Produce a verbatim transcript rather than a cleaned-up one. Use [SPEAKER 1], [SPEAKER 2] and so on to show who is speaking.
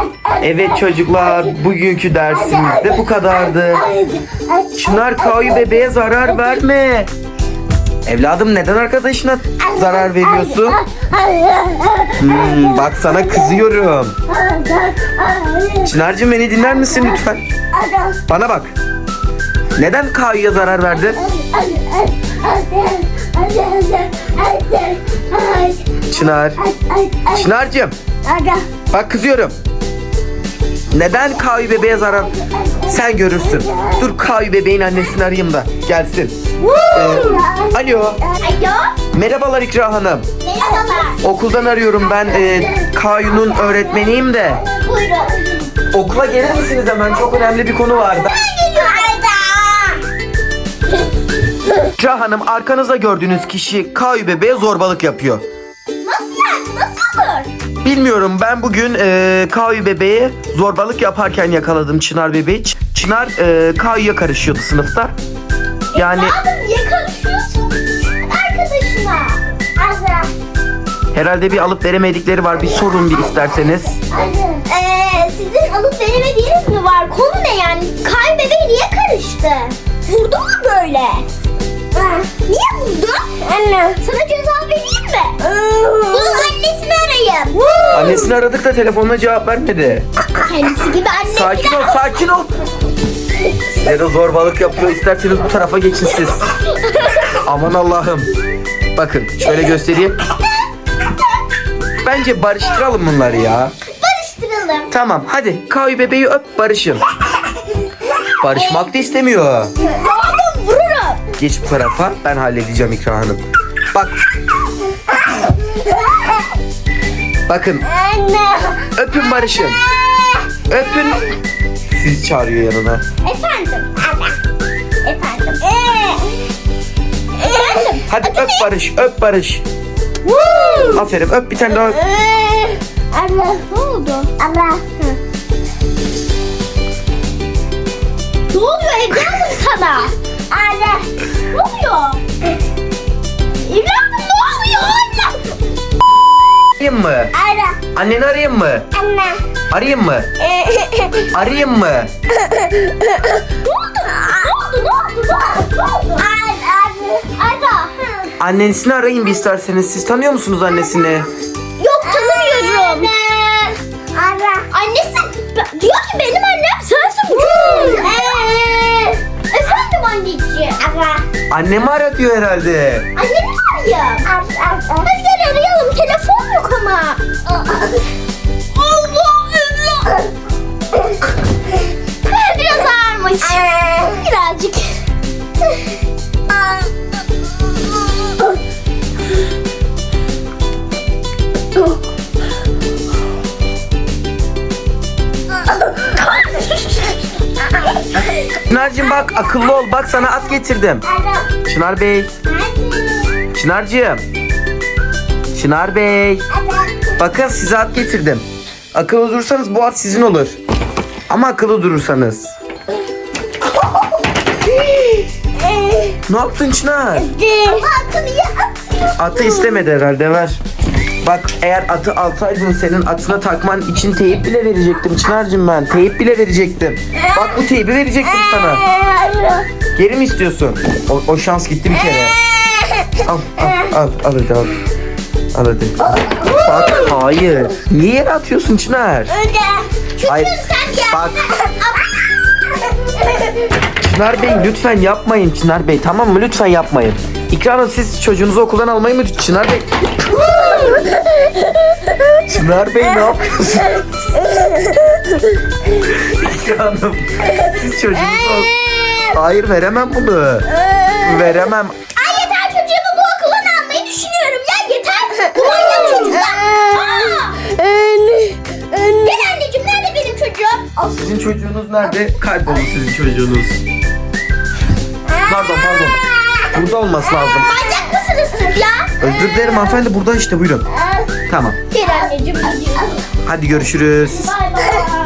[SPEAKER 1] Evet çocuklar, bugünkü dersimiz de bu kadardı. Çınar, Kayu bebeğe zarar verme. Evladım, neden arkadaşına zarar veriyorsun? Hmm, bak sana kızıyorum. Çınar'cığım, beni dinler misin lütfen? Bana bak. Neden Kayu'ya zarar verdin? Çınar. Çınar'cığım. Bak kızıyorum. Neden Kayu bebeğe zarar? Sen görürsün. Dur, Kayu bebeğin annesini arayayım da gelsin. Ee, alo.
[SPEAKER 2] Alo.
[SPEAKER 1] Merhabalar İkra Hanım.
[SPEAKER 2] Merhabalar.
[SPEAKER 1] Okuldan arıyorum ben. E, Kayu'nun öğretmeniyim de.
[SPEAKER 2] Buyurun.
[SPEAKER 1] Okula gelir misiniz hemen? Çok önemli bir konu vardı. İkra Hanım, arkanızda gördüğünüz kişi Kayu bebeğe zorbalık yapıyor.
[SPEAKER 2] Nasıl yani? Nasıl olur?
[SPEAKER 1] Bilmiyorum, ben bugün e, Kayu bebeğe zorbalık yaparken yakaladım Çınar bebeği. Ç- Çınar e, Kayu'ya karışıyordu sınıfta. Yani
[SPEAKER 2] Abi niye karışıyorsun? Arkadaşına. Azra.
[SPEAKER 1] herhalde bir alıp veremedikleri var. Bir sorun bir isterseniz.
[SPEAKER 2] Eee sizin alıp veremediğiniz mi var? Konu ne yani? Kay bebeği niye karıştı? Vurdu mu böyle? Niye vurdu? Anne. Sana ceza vereyim mi? Bunun annesini arayayım.
[SPEAKER 1] Annesini aradık da telefonuna cevap vermedi.
[SPEAKER 2] Kendisi gibi anne.
[SPEAKER 1] Sakin ol, sakin ol. Size de zorbalık yapıyor. İsterseniz bu tarafa geçin siz. Aman Allah'ım. Bakın şöyle göstereyim. Bence barıştıralım bunları ya.
[SPEAKER 2] Barıştıralım.
[SPEAKER 1] Tamam, hadi Kayu bebeği öp, barışın. Barışmak da istemiyor.
[SPEAKER 2] Adam vururum.
[SPEAKER 1] Geç bu tarafa, ben halledeceğim İkra Hanım. Bak. Bakın,
[SPEAKER 2] Anne.
[SPEAKER 1] öpün, barışın. Öpün. Sizi çağırıyor yanına.
[SPEAKER 2] Efendim. Efendim. Ee. Efendim.
[SPEAKER 1] Hadi öp barış, öp barış.
[SPEAKER 2] Woo.
[SPEAKER 1] Aferin, öp bir tane daha öp.
[SPEAKER 2] Ee, Allah. Ne oldu? Allah. Ne oluyor evladım sana? Allah. Ne oluyor? Evladım ne oluyor? Allah.
[SPEAKER 1] Arayayım mı?
[SPEAKER 2] Ara.
[SPEAKER 1] Anneni arayayım mı?
[SPEAKER 2] Anne.
[SPEAKER 1] Arayayım mı? Arayayım mı?
[SPEAKER 2] Ne oldu? Ne oldu? Ne oldu? Ne oldu? Ara. Ara.
[SPEAKER 1] Annesini arayın bir isterseniz. Siz tanıyor musunuz annesini?
[SPEAKER 2] Yok, tanımıyorum. Anne. Ara. Annesi diyor ki benim annem sensin bu çocuk. Efendim anneciğim. Ara.
[SPEAKER 1] Annemi ara diyor herhalde.
[SPEAKER 2] Annemi mi arayayım? Hadi gel arayalım. Telefon yok ama. Allah Allah. Biraz ağırmış. Birazcık.
[SPEAKER 1] Çınar'cığım bak, akıllı ol. Bak sana at getirdim. Çınar Bey. Çınar'cığım. Çınar Bey. Bakın size at getirdim. Akıllı durursanız bu at sizin olur. Ama akıllı durursanız. Ne yaptın Çınar?
[SPEAKER 2] Atı niye atıyor?
[SPEAKER 1] Atı istemedi herhalde, ver. Bak, eğer atı alsaydın senin atına takman için teyip bile verecektim Çınar'cığım ben. Teyip bile verecektim. Bak, bu teybi verecektim sana. Geri mi istiyorsun? O, o şans gitti bir kere. Al, al, al, al hadi al. Al hadi. Bak, hayır. Niye yere atıyorsun Çınar?
[SPEAKER 2] Öyle. Çünkü
[SPEAKER 1] Hayır.
[SPEAKER 2] sen ya.
[SPEAKER 1] Bak. Çınar Bey, lütfen yapmayın Çınar Bey, tamam mı? Lütfen yapmayın. İkra Hanım, siz çocuğunuzu okuldan almayı mı? Çınar Bey. Çınar Bey, ne yapıyorsunuz? İkra Hanım, siz çocuğunuzu... Hayır, veremem bunu. Veremem.
[SPEAKER 2] Ay yeter, çocuğumu bu okuldan almayı düşünüyorum. Ya yeter. Bu manyak çocuklar. Aa! Gel anneciğim, nerede benim çocuğum?
[SPEAKER 1] Sizin çocuğunuz nerede? Kayboldu sizin çocuğunuz. Pardon, pardon. Burada olması lazım.
[SPEAKER 2] Manyak mısınız siz ya?
[SPEAKER 1] Özür dilerim hanımefendi, burada işte, buyurun. Tamam.
[SPEAKER 2] Gel anneciğim, gidiyoruz.
[SPEAKER 1] Hadi görüşürüz.
[SPEAKER 2] Bay bay.